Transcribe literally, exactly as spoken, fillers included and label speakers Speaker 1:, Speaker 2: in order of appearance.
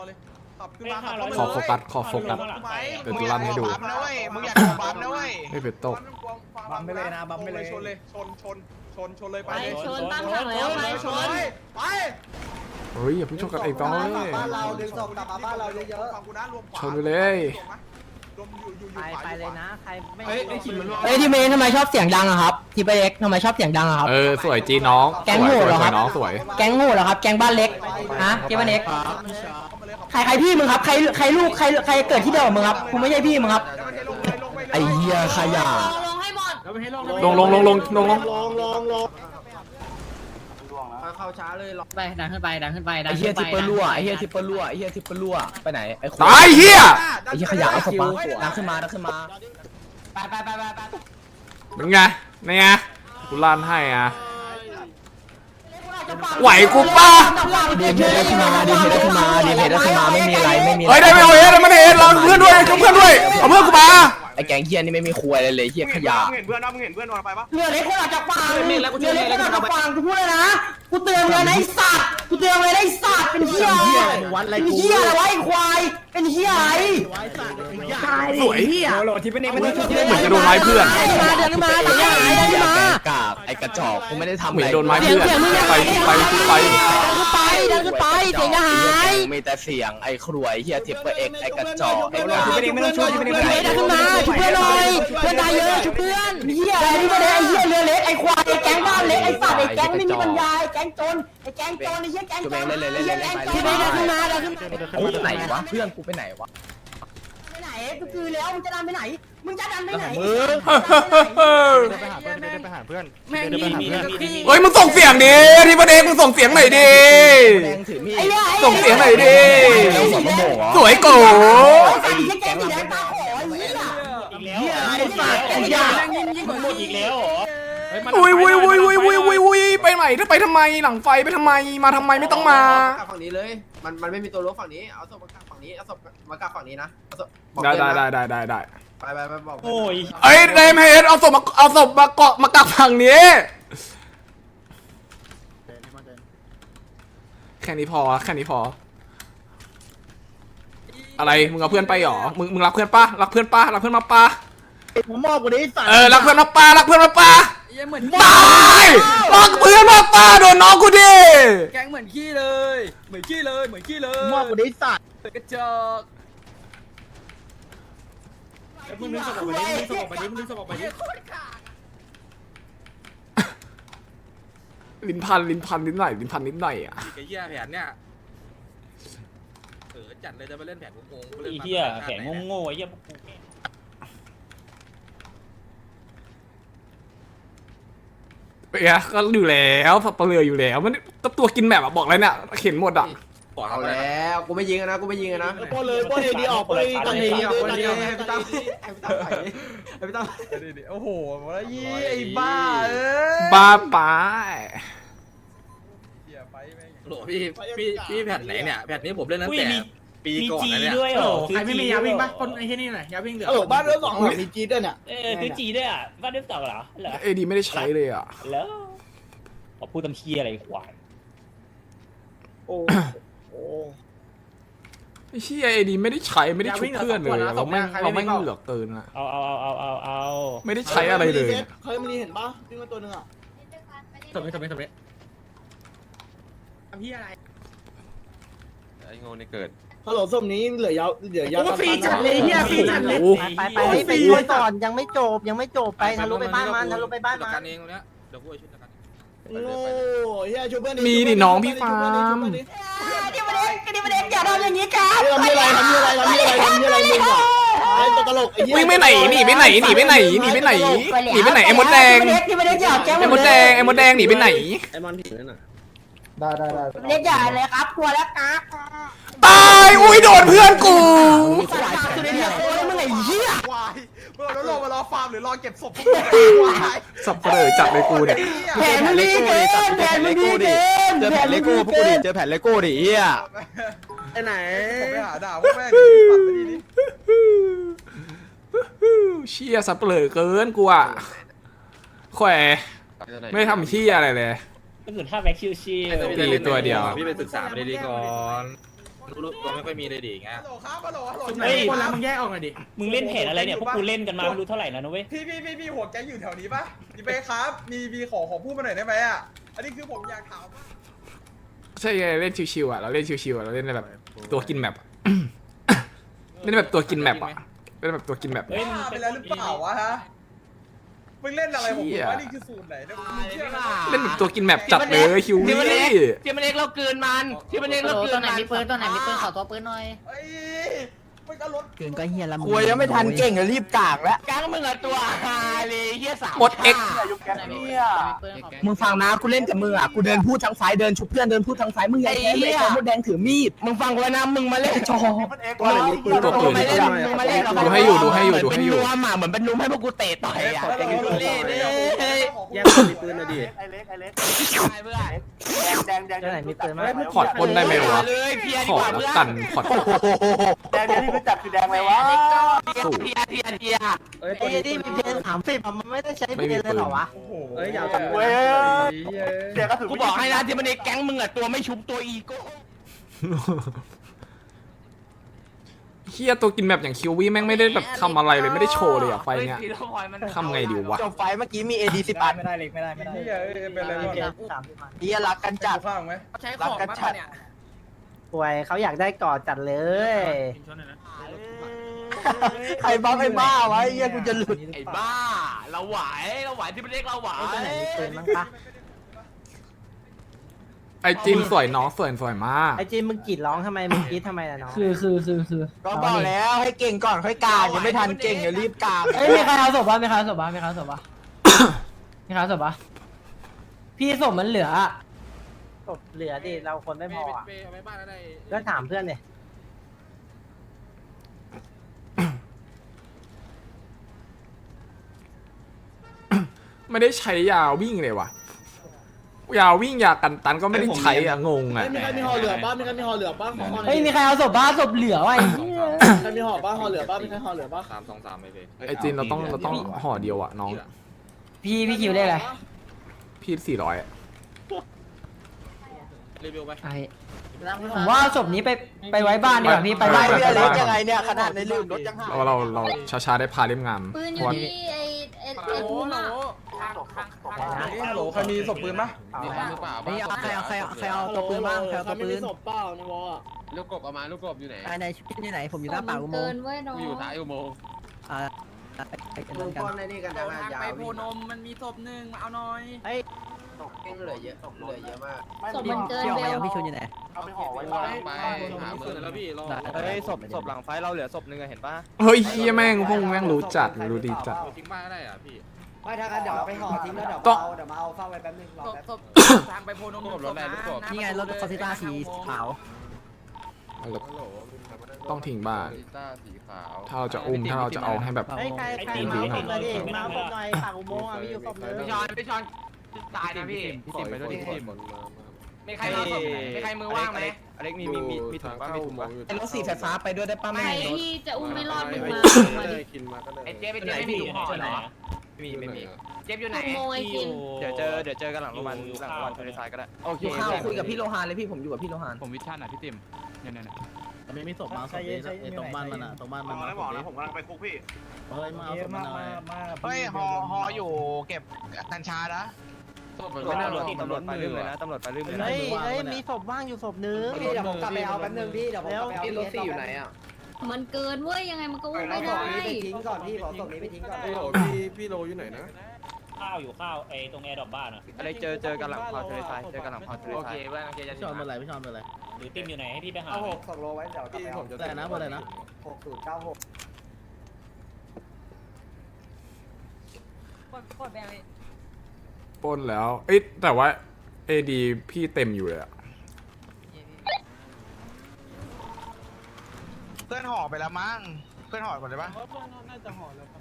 Speaker 1: ขอโฟกัสขอโฟกัสเป็นตัวลั่นให้ดู
Speaker 2: นะเว้ยมึงอยากขอบัฟนะเว้ย
Speaker 1: ไม่เป็นตก
Speaker 3: บัมไปเลยนะบัมไปเลย
Speaker 2: ชนเลยชนชนชนชนเลยไป
Speaker 4: ไปชนตั้งทางแล้วไปชน
Speaker 2: ไป
Speaker 1: เฮ้ยอย่าเพิ่งชนกันเองต้องเลย
Speaker 3: บ้านเราดึงศพกลับมาบ้านเราเยอะ
Speaker 2: ฟังกูนะรวมขวา
Speaker 1: ชนไปเลย
Speaker 2: รวมอยู่อยู่อยู่
Speaker 5: ไป
Speaker 2: ขวา
Speaker 5: ไปเลยนะใครไม่
Speaker 2: เฮ้ยไอ้ขิมมัน
Speaker 5: เอ้ยทีเมย์ทำไมชอบเสียงดังอะครับทีเอ็กทำไมชอบเสียงดังอะครับ
Speaker 1: เออสวยจีน้อง
Speaker 5: แก๊ง
Speaker 1: ส
Speaker 5: โห
Speaker 1: วย
Speaker 5: ดเหรอ
Speaker 1: ส
Speaker 5: ครั
Speaker 1: วย
Speaker 5: บ
Speaker 1: น้องสวย
Speaker 5: แก๊งโง่เหรอครับแก๊งบ้านเล็กฮะเกมบ้านเล็กใครใครพี่มึงครับใครใครลูกใครใครเกิดที่เดียวกับมึงครับกูไม่ใช่พี่มึงครับไอ้เหี้ยขยะ
Speaker 4: ลงให้หมด
Speaker 1: ลงลงลงลงลงลง
Speaker 3: ลองลองลอง
Speaker 2: เข้าช้าเลยหรอ
Speaker 5: ไปดังขึ้นไปดังขึ้นไปดั
Speaker 6: ไอ้
Speaker 5: ง
Speaker 6: เฮี
Speaker 5: ขึ้
Speaker 6: ย
Speaker 5: นไป
Speaker 6: ทิปเปอร์รั่วไอ้เฮียทิปเปอร์รั่วไอ้เฮียทิปเปอร์รั่วไปไหนไอ้คน
Speaker 1: ตายเฮีย
Speaker 6: ไอ้เฮียขยะเอาศพมาดังขึ้นมาดังขึ้นมา
Speaker 5: ไปไปไปไปไป
Speaker 1: เป็นไงนี่ไงกูลั่นให้อ่ะไหวกูป่ะ
Speaker 6: ดีเพได้ขึ้นมาดีเพได้ขึ้นมาดีเพได้ขึ้นมาไม่มีอะไรไม่มี
Speaker 1: เฮ้ยได้ไม่เอาเอสได้ไม่ได้เอสเราเพื่อนด้วยเอาเพื่อนด้วยเอาเพื่อนกูมา
Speaker 6: ไอ้แกงเฮียนี่ไม่มีครัวอะไรเลยเฮียขยะ
Speaker 2: มึงเห็นเพื่อนนะมึงเห็นเพื่อนวันไปปะ
Speaker 5: เรือเล็กคนออกจากฝั่งเรือเล็กคนออกจากฝั่งกูพูดเลยนะกูเตือนเลยนะไอ้สัตว์กูเตือนเลยนะไอ้สัตว์เป็นเหี้ยเป็นเหี้ยอะไรวะไอ้ควายเป็นเหี้ยอะไร
Speaker 1: สวย
Speaker 3: โหลดที่เป็นเองมันชุด
Speaker 1: เหมือนจะโดนไม้เพื่อน
Speaker 5: เดินมาเดินมาเดินมาเดินมา
Speaker 6: กาบไอ้กระจอกกูไม่ได้ทำ
Speaker 1: เหมื
Speaker 6: อะ
Speaker 1: อน
Speaker 6: ไร
Speaker 1: โดนไม้เพื่อนไปไปไป
Speaker 5: เดินขึ้นไปเดินขึ้นไปเสียงจะหาย
Speaker 6: มีแต่เสียงไอ้ครวยเฮียทิปเปอร์เอ็กไอ้กระจอกไอ้กา
Speaker 3: ที่เป็นเองไม่ต้องช่วยที่เป็นเองไม่
Speaker 5: เดิ
Speaker 3: ต้อง
Speaker 5: นขึ้นมาช่วยเพื่อนหน่อยเพื่อนตายเยอะช่วยเพื่อนเหี้ยอะไรนี่ไม่ได้ไอ้เหี้ยเรือเล็กไอ้ควายไอ้แก๊งบ้านเล็กไอ้สัตว์ไอ้แก๊งไม่มีปัญญาไอ้แก๊งจนไอ้แก๊งจนไอ้เหี้ยแก๊งจนไอ้เหี้ยแก๊งจนเดินขึ้นมาเดินขึ้นมา
Speaker 6: ไอ้ไหนวะเพื่อนกูไปไหนวะ
Speaker 5: ไปไหนก็คือแล้วมึงจะดันไปไหนมึงจะดันไปไหน
Speaker 3: ไปหาเพื่อน
Speaker 5: แม่งมีมีมี
Speaker 1: เฮ้ยมึงส่งเสียงดิที่ประเด็นมึงส่งเสียงหน่อยดิ
Speaker 6: แดงถือมีด
Speaker 1: ส่งเสียงหน่อยดิสวยโก
Speaker 5: ไอ้เหี้ยแก๊งสีแดงตาขอไอ้เหี้ย
Speaker 3: เฮียไอ้สัตว์ไอ้ยายิ่งกว่าหมดอีกแล้วเหรอ
Speaker 1: อุ้ยอุ้ยอุ้ยอุ้ยอุ้ยอุ้ยอุ้ยไปไหนถ้าไปทำไมหลังไฟไปทำไมมาทำไมไม่ต้องมา
Speaker 2: ฝั่งนี้เลยมันมันไม่มีตัวรถฝั่งนี้เอาศพมากางฝั่งนี้เอาศพมากางฝั่งนี้นะเอาศพ
Speaker 1: ได้ได้ได้ได้ได้ได้
Speaker 2: ไปไปไปบอก
Speaker 3: โอ้ย
Speaker 1: เอ้ยเดมเฮดเอาศพมาเอาศพมาเกาะมากักฝั่งนี้แค่นี้พอแค่นี้พอ อะไรมึงเอาเพื่อนไปหรอมึงมึงรักเพื่อนปะรักเพื่อนปะรักเพื่อนมาปะ
Speaker 3: ผมมอบกว่านี้สัตว์
Speaker 1: เออรักเพื่อนมาปะรักเพื่อนมาปะตายรักเพื่อนมาปะโดนน้องกูดิ
Speaker 7: แกงเหมือนขี้เลยเหมือนขี้เลยเหมือนขี้เลย
Speaker 3: มอบกว่านี้สัตว์
Speaker 7: กระจอก
Speaker 3: มึงนึกสมบัติมึงนึกสมบัติมึงนึกสมบัติ
Speaker 1: ลิ้นพันลิ้นพันนิดหน่อยลิ้นพันนิดหน่อยอ่ะ
Speaker 7: ไอ้เหี้ยแผนเนี่ยเออจัดเลยจะไปเล่นแผนงงๆ
Speaker 3: ไอ้เหี้ยแข่งโง่ๆไอ้เหี้ย
Speaker 1: เปียก็อยู่แล้วสับเปลืออยู่แล้วมันก็ตัวกินแบบอะบอกเลยเนี่ยเข็นหมดอ่ะ
Speaker 2: เอาแล้วกูไม่ยิงนะกูไม่ยิงนะ
Speaker 3: ป้อนเลยป้อนเลยดีออกเลยตอนนี้
Speaker 2: ออกคนเดียวให้พี่ตั้มให้พี่ตั้มไปให้พี่ตั้ม
Speaker 7: โอ้โหแล้วยี่ไอ้บ้าเอ้ย
Speaker 1: บ้าไป
Speaker 7: โหพี่พี่พี่แผนไหนเนี่ยแผนนี้ผมเล่นตั้งแต่ปีก่อนนะเนี่ย
Speaker 3: ด้วยเหรอ
Speaker 8: ใครไม่มียาวิ่งปะคนไอ้ที่นี่หน่อยยาวิ่งเหลือ
Speaker 3: เออบ้านเรื่องสองมีจีด้วยเนี่ย
Speaker 8: เออคือจีด้วยอ่ะบ้านเรื่องสองเหรอเหรอ
Speaker 1: เอดีไม่ได้ใช้เลยอ่ะ
Speaker 8: แล้วบอกพูดตำเชียอะไรควาย
Speaker 3: โอ้โห
Speaker 1: ไอ้เชี่ยเอดีไม่ได้ใช้ไม่ได้ชุบเพื่อนเลยอะเราไม่เราไม่เหลือเกินอ่ะ
Speaker 8: เอาเอาเอาเอาเอาเอา
Speaker 1: ไม่ได้ใช้อะไรเลย
Speaker 3: เคยมันเห็นปะวิ่งมาตัวนึงอ่ะ
Speaker 8: สมัยสมัยสมัย
Speaker 3: พี่อะไร
Speaker 7: ไอ้โง่นี่เกิด
Speaker 3: ฮัลโหลส้มนี้เหลือยาวเหลือยาว
Speaker 8: ฟรีจัดเลยเฮียฟรีจัดเลย
Speaker 1: โอ้
Speaker 5: ไปไปไปไปช่วยก่อนยังไม่จบยังไม่จบไปทะลุไปบ้านมันทะลุไปบ้าน
Speaker 7: จัด
Speaker 5: มั
Speaker 7: การ
Speaker 5: น
Speaker 7: เองตรงเนี้ยเดี๋ยวกูช่วยจัดการ
Speaker 3: โอ้ยเฮียช่วยเพื่อน
Speaker 1: มีดิน้องพี่ฟาร์ม
Speaker 5: เดี๋ยวมาเด็กเดี๋ยวมาเด็กอย่าทำอย่างนี้ครับ
Speaker 3: ทำอะไรทำอะไรทำอะไรทำอะไรมึงอ่ะไอ้ตัวตลกไอ้เหี้ย
Speaker 1: วิ่งไปไหนหนีไปไหนหนีไปไหนหนีไปไหนหนีไปไหนไอ้มดแดง
Speaker 5: เดี๋ยวมาเด็กอย่าแก้ว
Speaker 1: ไอ้มดแดงไอ้มดแดงหนีไปไหน
Speaker 3: ไอ้มันผีนั่นน่ะ
Speaker 5: เด็กอย่าเลยครับกลัวแล้วครับ
Speaker 1: ตายอุ้ยโดนเพื่อนกู
Speaker 5: สายสุดเลยเนี่ยโอ้ยมึงไอ้เหี้ยว
Speaker 2: ายเมื่อเราลงมารอฟาร์มหรือรอเก็บศพพวกมึงวาย
Speaker 1: สับเปลือจัดเลยกูเนี่ย
Speaker 5: แผนมึงดีเกินแผนมึงดีเกิน
Speaker 6: เจอแผ่นเลโก้พวกกูดิเจอแผ่นเลโก้ดิเฮีย
Speaker 3: ไอ้ไหน
Speaker 2: ผมไปหาด่าพวกแม่งปัดไปดีนี่
Speaker 1: เชี่ยสับเปลือเกินกูอ่ะแขวไม่ทำเชี่ยอะไรเลย
Speaker 8: ก็คือถ้าแบ็คชิวชิว
Speaker 1: ตีตัวเดียว
Speaker 7: พี่ไปศึกษาไปดีๆก่อนรู้ตัวไม่ค่อยมีเลยดิไง
Speaker 3: ฮัลโหลครับฮัลโหลฮัลโหล
Speaker 8: เฮ้ย
Speaker 3: คนละมึงแยกออกหน่อยดิ
Speaker 8: มึงเล่นเพจอะไรเนี่ยพวกกูเล่นกันมาไม่รู้เท่าไหร่นะนุ้ย
Speaker 3: พี่พี่พี่พี่หัวแกอยู่แถวนี้ปะดีเป้ครับ มีมีขอขอพูดมาหน่อยได้ไหมอ่ะ อันนี้คือผมอยากถาม
Speaker 1: ใช่ไงเล่นชิวๆอ่ะเราเล่นชิวๆอ่ะเราเล่นแบบตัวกินแมปอะ เล่นแบบตัวกินแมปอ่ะเล่นแบบตัวกินแมป
Speaker 8: เฮ้ยมึง
Speaker 3: บ้าไป
Speaker 8: เป็น
Speaker 3: แล้วหรือเปล่าวะฮะ มึงเล่นอะไรผมบอกว่านี่คือสูตรไหนเนี่ยมึงเชื่อไหม
Speaker 1: เล่นแบบตัวกินแมปจัดเลยคิววี่
Speaker 5: ที่มันเล็กเราเกินมันที่มันเล็กเราเกิ
Speaker 4: ตัวน ไหนมีปืนตัวไหนมีปืนขอตัวปืนหน่อย
Speaker 3: เฮ้ยมึงก็รถ
Speaker 6: เกินก็เฮียละ
Speaker 5: คุยยังไม่ทันเก่งเลยรีบกากแล้วแก๊งมึงอะตัวฮาเลยเฮียสาม
Speaker 1: หมดเอ็ก
Speaker 6: มึงฟังนะกูเล่นกับมึงอ่ะกูเดินพูดทางซ้ายเดินชุบเพื่อนเดินพูดทางซ้ายมึงอย่าแพ้ไม่ได้มดแดงถือมีด
Speaker 5: มึงฟังไว้นะมึงมาเล่นจอ
Speaker 1: ตัวปืน
Speaker 5: มาเล่นมึงมาเล่น
Speaker 1: ดูให้อยู่ดูให้อยู่ดูให้อยู่
Speaker 5: เหมืนเป็นนวมอะเหมือนเป็นนุ่มให้พวกกูเตะต่อยอ่ะ
Speaker 3: แล้วเรา
Speaker 5: เล่นเล่น
Speaker 3: แยกคนมีปืนนะดิ
Speaker 6: ไหนมีปืนมั้ย
Speaker 1: พอร์ตปล้นได้ไหมวะ
Speaker 5: เลยเพีย
Speaker 1: ข
Speaker 5: ดี
Speaker 1: อก
Speaker 5: ว่า
Speaker 1: แล้
Speaker 5: เพื่
Speaker 1: ว
Speaker 5: อน
Speaker 1: กันพอร์ต
Speaker 5: แดงที่รู้จักคือแดงไหมวะ
Speaker 1: สู้
Speaker 5: เพียเพียเพีย
Speaker 3: เอ้ยตัวนี้ปืน
Speaker 6: เพนสามสิบมันไม่ได้ใช้
Speaker 1: ไม่มีปืน
Speaker 3: โอ้โหเอ้ยอย่าทำ
Speaker 5: เว้ย
Speaker 3: เดี๋ยวก็ถือ
Speaker 5: กูบอกให้นะที่มันในแก๊งมึงอะตัวไม่ชุบตัวอีโก้
Speaker 1: เฮียตัวกินแมปอย่างคิววี่แม่งไม่ได้แบบทำอะไรเลยไม่ได้โชว์เลยอ่ะไฟเนี้ยทำไงดีวะ
Speaker 5: จบไฟเมื่อกี้มี เอ ดี สิบอัน
Speaker 8: ไม่ได้เล็กไม่ได้ไม่ได้
Speaker 3: นี่เอ้ยเป็นอะไรวะ
Speaker 5: เฮียรักกันจัด
Speaker 3: ข้างไหม
Speaker 4: ใช้ข
Speaker 5: รัก
Speaker 4: อง
Speaker 5: กัน
Speaker 4: บ้าง
Speaker 5: จัด
Speaker 4: เนี่ย
Speaker 6: ป่วยเขาอยากได้กอดจัดเลย
Speaker 5: ใครบ้าไอ้บ้าวะไอ้เฮียกูจะหลุดไอ้บ้าเราไหวเราไหวที่มันเรียกเราไหว
Speaker 6: ไอ้ตัวไหนมีปืนบ้างปะ
Speaker 1: ไอจินสวยน้องสวยสวยมาก
Speaker 6: ไอ้จีนมึงกรีดร้องทำไมมึงกรีดทำไมล่ะน้อง
Speaker 5: คือคือคือคือก็บอกแล้วให้เก่งก่อนค่อยกางยังไม่ทันเก่งเดี๋ยวรีบกาง
Speaker 6: เอ้ยมีใครเอาศพบ้างมีใครเอาศพบ้างมีใครเอาศพบ้างมีใครเอาศพบ้างพี่ศพมันเหลือศพเหลือดิเราคนไม่พออะก็ถามเพื่อนเนี่ย
Speaker 1: ไม่ได้ใช้ยาวิ่งเลยว่ะยาวิ่งยากันตันก็ไม่ได้ใช้อ่ะงงอ่ะ
Speaker 3: มีใครมีห่อเหลือป้ามีใครมีห่อเหลือป้าขอห่อหน่
Speaker 6: เฮ้
Speaker 3: อยย
Speaker 6: มีใครเอาศพบ้างศพเหลือวะไอ้เหี้ย
Speaker 3: ใครมีห่อป้าห่อเหลือป้ามีใครห่อเหลือป้า
Speaker 7: สามสองสามไปเลย
Speaker 1: ไอจินเราต้องเราต้องห่อเดียวอ่ะน้อง
Speaker 6: พี่พี่คิวได้อะไร
Speaker 1: พี่สี่ร้อยอะ
Speaker 7: รีวิวไป
Speaker 6: ไอ้ผมว่าศพนี้ไปไปไว้บ้านดีกว่าพี่ไป
Speaker 5: ไป
Speaker 6: บ้าน
Speaker 5: เรือ
Speaker 6: ไป
Speaker 5: เล็ก
Speaker 6: บ้าน
Speaker 5: ยังไงเนี่ยขนาดในลืมรถยังหาย
Speaker 1: เราเราเราช้าๆได้พาเล่มงาน
Speaker 4: ปืนอ
Speaker 1: เพ
Speaker 4: ยู่
Speaker 1: ราะว่า
Speaker 4: ที่ไอ้ไอ้ไอ้พุ่มอะ
Speaker 3: ฮัลโหลใครมีศพปืนปะ
Speaker 7: มีบ้างหรือเปล่า
Speaker 6: ไม่เอาใครเอาใครเอาใครเอาตัวปืนบ้างใครเอาตัวปืน
Speaker 3: ศพเปล่าในวอล
Speaker 7: ลูกกบเอามาลูกกบอยู่ไหน
Speaker 6: ไอ้ในชุดที่ไหนผมอยู่หน้าปากอุโม
Speaker 4: เกิ
Speaker 6: ง
Speaker 4: น
Speaker 6: ค์
Speaker 4: เว้ยน้อง
Speaker 7: กูอยู่ท้ายอุโมงค์
Speaker 6: อ่าไอ้กัน
Speaker 2: มึง
Speaker 6: กัน
Speaker 2: ป้อนในนี่กันจังยาว
Speaker 4: ไปโพนมมันมีศพหนึ่งเอาหน่อย
Speaker 6: เฮ้ย
Speaker 2: เก่งเหลือเยอะเหลือเยอะมาก
Speaker 4: ศพมันเกิน
Speaker 6: พี่ออก
Speaker 4: เบ
Speaker 6: มา
Speaker 4: ล
Speaker 6: ยังพี่ชุนอยู่ไหน
Speaker 7: ไปหาเมืองแล้วพี่รอ
Speaker 6: เฮ้ยศพ
Speaker 7: ศพหลังไฟเราเหลือศพนึงเห็นปะ
Speaker 1: เฮ้ยเฮียแม่งพวกแม่งรู้จัดรู้ดีจัด
Speaker 7: ทิ้งบ้านได้อ่ะพี่
Speaker 9: ไม่ถ้างั้นเดี๋ยวไปห่อทิ้งแล้วเดี๋ยว
Speaker 1: ต้อง
Speaker 9: เอาเดี๋ยวมาเอาเฝ้าไว้แป๊บนึงรอ
Speaker 4: ศพ
Speaker 9: แป๊บ
Speaker 4: ศพทางไปโพนม
Speaker 7: รถอะไรรถกบ
Speaker 6: นี่ไงรถคอสซิต้าสีขาว
Speaker 1: ต้องทิ้งบ้าน
Speaker 7: ลิต้าสีขาว
Speaker 1: ถ้าเราจะอุ้มถ้าเราจะเอาให้แบบ
Speaker 6: เฮ้ยใครใครมาเอาศพมาดิมาเอาศพหน่อยปากอุโมงค์อ่ะมีอยู่ศพนึง
Speaker 5: พี่ชอนพี่ชอนตายนะพี่
Speaker 7: พี่ติมไปด้วยพี่ติม
Speaker 5: มีใครมาศพไหนมีใครมือว่างไหม
Speaker 7: อเล็กมีมีมีมีถุงป้ามีถุงป้า
Speaker 6: ไอ้รถสีไฟฟ้าไปด้วยได้ป่ะ
Speaker 4: ใค
Speaker 6: ไม่
Speaker 4: ร
Speaker 6: มีรถ
Speaker 4: ที่จะอุ้มไม่รอดมึงมา
Speaker 5: ไอ้เจ๊ไปเจ๊ไม่มีถุงห่อเหรอ
Speaker 7: มีไม่มี
Speaker 5: เจ๊อยู่ไหน
Speaker 4: ขโมยกิน
Speaker 7: เดี๋ยวเจอเดี๋ยวเจอกันหลังโรงพยาบาลหลังโรงพยาบาลทะเลทรายก็ได้
Speaker 5: โอเค
Speaker 6: อยู่ข้าวคุยกับพี่โลหานเลยพี่ผมอยู่กับพี่โลหาน
Speaker 7: ผมวิชั่นอ่ะพี่ติมเนี่ยเนี่ย
Speaker 8: ไม่มีศพมาศพนี้ไอ้ตรงบ้านมันอ่ะตรงบ้านมันไม่บอกนะผมกำลังไปคุกพี่เฮ้ยมาเอาศพมาหน่อย
Speaker 5: เฮ้ยฮอฮออยู่เก็บกัญชานะ
Speaker 7: ไม่น่ารถตำรวจไปเรื่อยเลยนะตำรวจไปเรื่อยเลยนะ
Speaker 6: เฮ้ยเฮ้ยมีศพว่างอยู่ศพนึง
Speaker 9: พี่เดี๋ยวผมกลับไปเอาแป๊บนึงพี่เดี๋ยวผมกลับไปเอา
Speaker 2: พี่รถสี่อยู่ไหนอ่ะ
Speaker 4: มันเกินเว้ยยังไงมันก็อุ้ม
Speaker 9: เอา
Speaker 4: ไม่
Speaker 9: ศ
Speaker 4: ได้
Speaker 9: พนี้ไปทิ้งก่อนพี่บอกศพนี้ไปทิ้งก่อน
Speaker 3: พี่พี่โลอยู่ไหนนะ
Speaker 8: ข้าวอยู่ข้าวไอ้ตรงแอร์ดรอปบ้านอ่ะ
Speaker 7: อะไรเจอเจอกันหลังพาวทะเลทรายเจอกันหลังพาวทะเล
Speaker 5: โอ
Speaker 7: ทรา
Speaker 5: เค
Speaker 7: ย
Speaker 5: เพื่อนโอเคจะ
Speaker 8: พี่ชอนเป็นไรพี่ชอนเป็นไรหรือติมอยู่ไหนให้พี่ไปหา
Speaker 9: เอาหกศพโลไว้เดี๋ยวกลับไปเอา
Speaker 8: แต่นะเป็นไรนะ
Speaker 9: หกศูนย์เก้าหก
Speaker 1: ปล้นแล้ว เอ้ยแต่ว่าเอดีพี่เต็มอยู่เลยอะ
Speaker 5: เพื่อนห่อไปแล้วมั้งเพื่อนห่อก่อนได้ปะ